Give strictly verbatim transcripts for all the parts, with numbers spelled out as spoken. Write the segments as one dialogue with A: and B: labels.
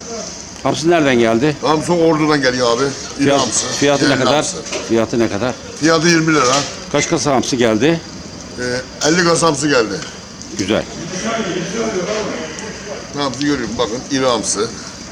A: Hamsi nereden geldi?
B: Hamsi Ordu'dan geliyor abi. İri
A: Fiyat,
B: hamsi.
A: fiyatı ne
B: Yerli
A: kadar?
B: hamsi.
A: Fiyatı ne kadar?
B: Fiyatı yirmi lira.
A: Kaç kasa hamsi geldi?
B: Ee, elli kasa hamsi geldi.
A: Güzel.
B: Hamsi görüyorum bakın iri hamsi.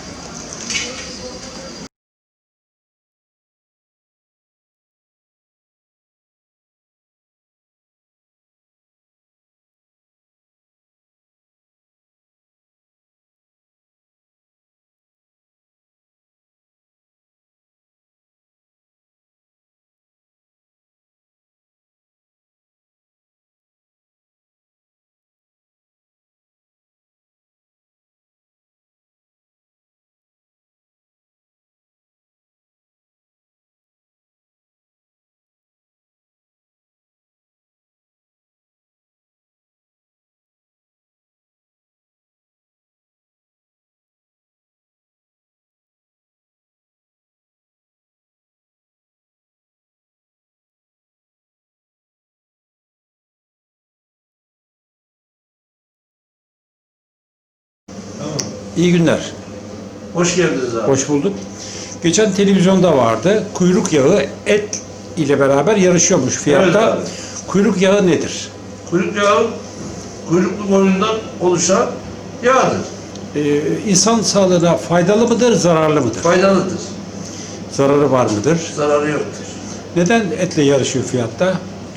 A: İyi günler.
C: Hoş geldiniz abi.
A: Hoş bulduk. Geçen televizyonda vardı. Kuyruk yağı et ile beraber yarışıyormuş fiyatta.
C: Evet abi.
A: Kuyruk yağı nedir?
C: Kuyruk yağı, kuyruklu koyundan oluşan yağdır.
A: Ee, insan sağlığına faydalı mıdır, zararlı mıdır?
C: Faydalıdır.
A: Zararı var mıdır?
C: Zararı yoktur.
A: Neden etle yarışıyor fiyatta?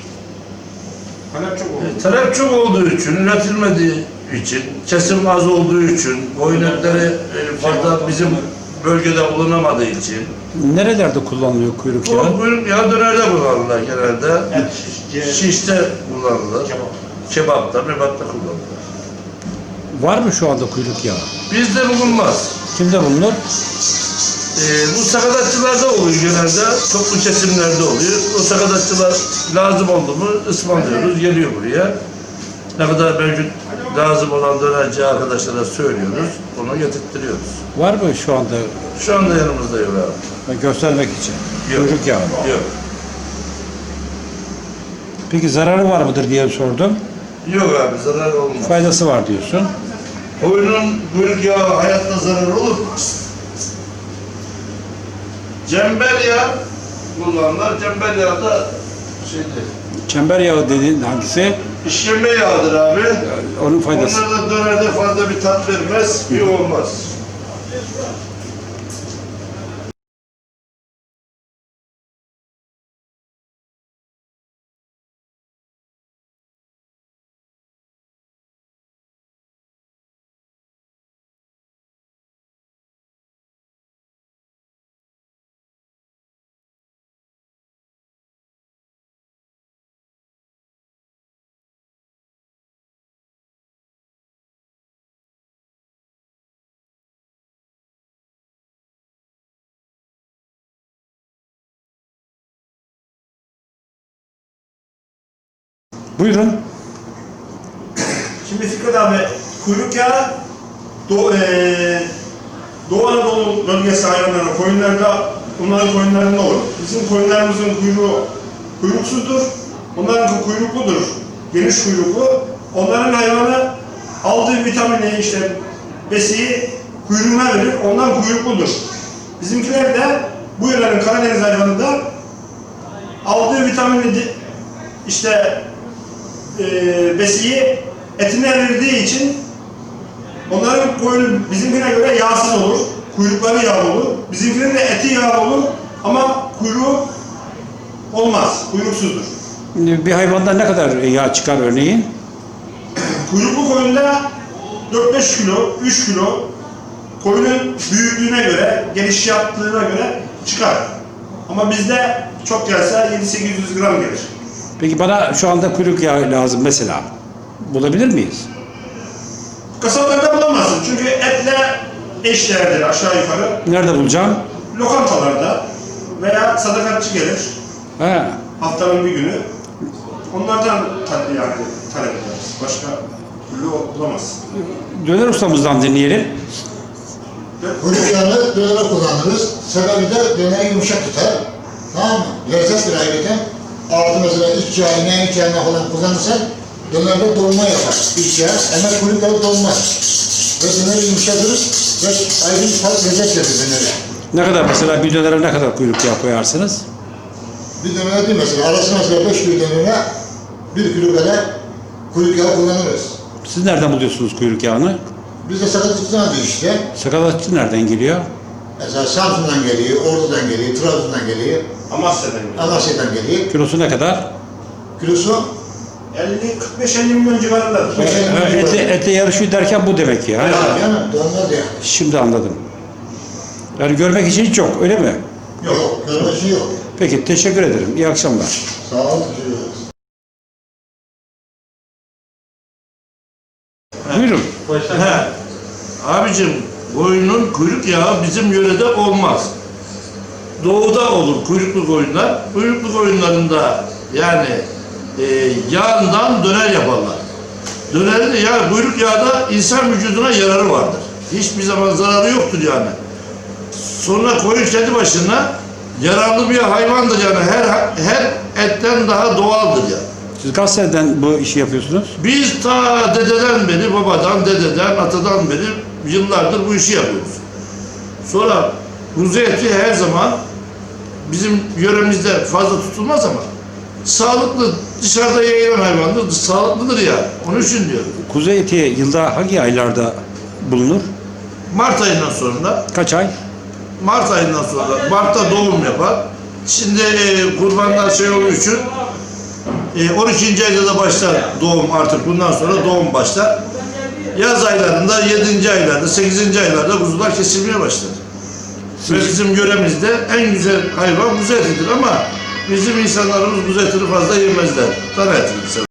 C: E, talep çok olduğu için, üretilmediği için, kesim az olduğu için, koyun etleri e, fazla bizim bölgede bulunamadığı için.
A: Nerelerde kullanılıyor kuyruk
C: Bu
A: yağı?
C: kuyruk yağı dönerde kullanırlar genelde. Şişte kullanılır. Kebapta, mebapta kullanılır.
A: Var mı şu anda kuyruk yağı?
C: Bizde bulunmaz.
A: Kimde bulunur?
C: Ee, bu sakatatçılarda oluyor genelde, toplu kesimlerde oluyor. O sakatatçılar lazım oldu mu ısmarlıyoruz, geliyor buraya. Ne kadar mevcut lazım olan dönerci arkadaşlara söylüyoruz, onu getirtiyoruz.
A: Var mı şu anda
C: Şu anda yanımızda yok abi.
A: göstermek için?
C: Yok.
A: Kuyruk yağı.
C: Yok.
A: Peki zararı var mıdır diye sordum.
C: Yok abi, zarar olmaz.
A: Faydası var diyorsun.
C: Koyunun kuyruk yağı hayatta zarar olur mu? Cember yağı kullanırlar. Cember yağı da şeydi,
A: Çember yağı dediğin hangisi?
C: işkembe yağıdır abi.
A: Onun faydası.
C: Onlar da dönerde fazla bir tat vermez, iyi olmaz.
A: Buyurun.
D: Şimdi Fikret abi, kuyruk yağı Doğu, ee, Doğu Anadolu bölgesi hayvanları, koyunlarda, onların koyunlarında olur. Bizim koyunlarımızın kuyruğu kuyruksuzdur, onların kuyrukludur, geniş kuyruklu. Onların hayvanı aldığı vitamini, işte besiyi kuyruğuna verir, ondan kuyrukludur. Bizimkiler de bu yörenin Karadeniz hayvanında aldığı vitamini işte e, besiyi etine verdiği için onların koyunu bizimkine göre yağsız olur, kuyrukları yağlı olur. Bizimkinin de eti yağlı olur ama kuyruğu olmaz, kuyruksuzdur.
A: Bir hayvandan ne kadar yağ çıkar örneğin?
D: Kuyruklu koyunda dört beş kilo, üç kilo koyunun büyüklüğüne göre, geniş yaptığına göre çıkar. Ama bizde çok gelse yedi sekiz yüz gram gelir.
A: Peki bana şu anda kuyruk yağı lazım mesela. Bulabilir miyiz?
D: Kasaplarda bulamazsın çünkü etle eşdeğerdir aşağı yukarı.
A: Nerede bulacağım?
D: Lokantalarda veya sadakatçi gelir
A: He.
D: haftanın bir günü. Onlardan ta- yani talep ederiz. Başka türlü bulamazsın.
A: Döner ustamızdan dinleyelim.
E: Kuyruk yağını dönere kullanırız. Sebebi de döneri yumuşak tutar. Tamam mı? Lezzettir ayrıca. Altı mesela iç yağı, ineğin iç yağına falan kullanırsan dönerde dolma yapar. İç yağ ama kuyruk yağı dolmaz. Ve döneri yumuşatır. Ve ayrı bir tat lezzet verir dönere.
A: Ne kadar mesela bir dönere ne kadar kuyruk yağı koyarsınız?
E: Bir dönere değil mesela, arasına mesela beş kilo dönere bir kilo kadar kuyruk yağı kullanırız.
A: Siz nereden buluyorsunuz kuyruk yağını?
E: Biz de sakatlıktan alıyoruz işte.
A: Sakatatçı nereden geliyor?
E: Mesela Samsun'dan geliyor, Ordu'dan geliyor, Trabzon'dan geliyor,
D: Amasya'dan geliyor.
E: Amasya'dan geliyor.
A: Kilosu ne kadar?
E: Kilosu
D: elli, kırk beş elli milyon civarındadır.
E: beş elli
A: Ha,
E: milyon
A: Etle,
E: civarı.
A: etle yarışıyor derken bu demek ya.
E: Ya canım, donmaz yani.
A: Şimdi anladım. Yani görmek için hiç yok, öyle mi?
E: Yok, görmesi yok.
A: Peki, teşekkür ederim. İyi akşamlar.
E: Sağ ol, teşekkür ederiz.
A: Buyurun.
C: He. Abicim koyunun kuyruk yağı bizim yörede olmaz. Doğuda olur kuyruklu koyunlar. Kuyruklu koyunlarında yani e, yağından döner yaparlar. Dönerin de ya kuyruk yağı da insan vücuduna yararı vardır. Hiçbir zaman zararı yoktur yani. Sonra koyun kendi başına yararlı bir hayvandır yani her her etten daha doğaldır yani.
A: Siz kaç seneden bu işi yapıyorsunuz?
C: Biz ta dededen beri, babadan, dededen, atadan beri yıllardır bu işi yapıyoruz. Sonra kuzu eti her zaman bizim yöremizde fazla tutulmaz ama sağlıklı, dışarıda yayılan hayvandır, sağlıklıdır ya. Onun için diyorum.
A: Kuzu eti yılda hangi aylarda bulunur?
C: Mart ayından sonra,
A: Kaç ay?
C: Mart ayından sonra, Mart'ta doğum yapar. Şimdi e, kurbanlar şey olduğu için e, on ikinci ayda da başlar doğum artık bundan sonra doğum başlar. Yaz aylarında, yedinci aylarda, sekizinci aylarda kuzular kesilmeye başlar. Ve bizim yöremizde en güzel hayvan kuzu etidir ama bizim insanlarımız kuzu etini fazla yemezler. Dana etini sever.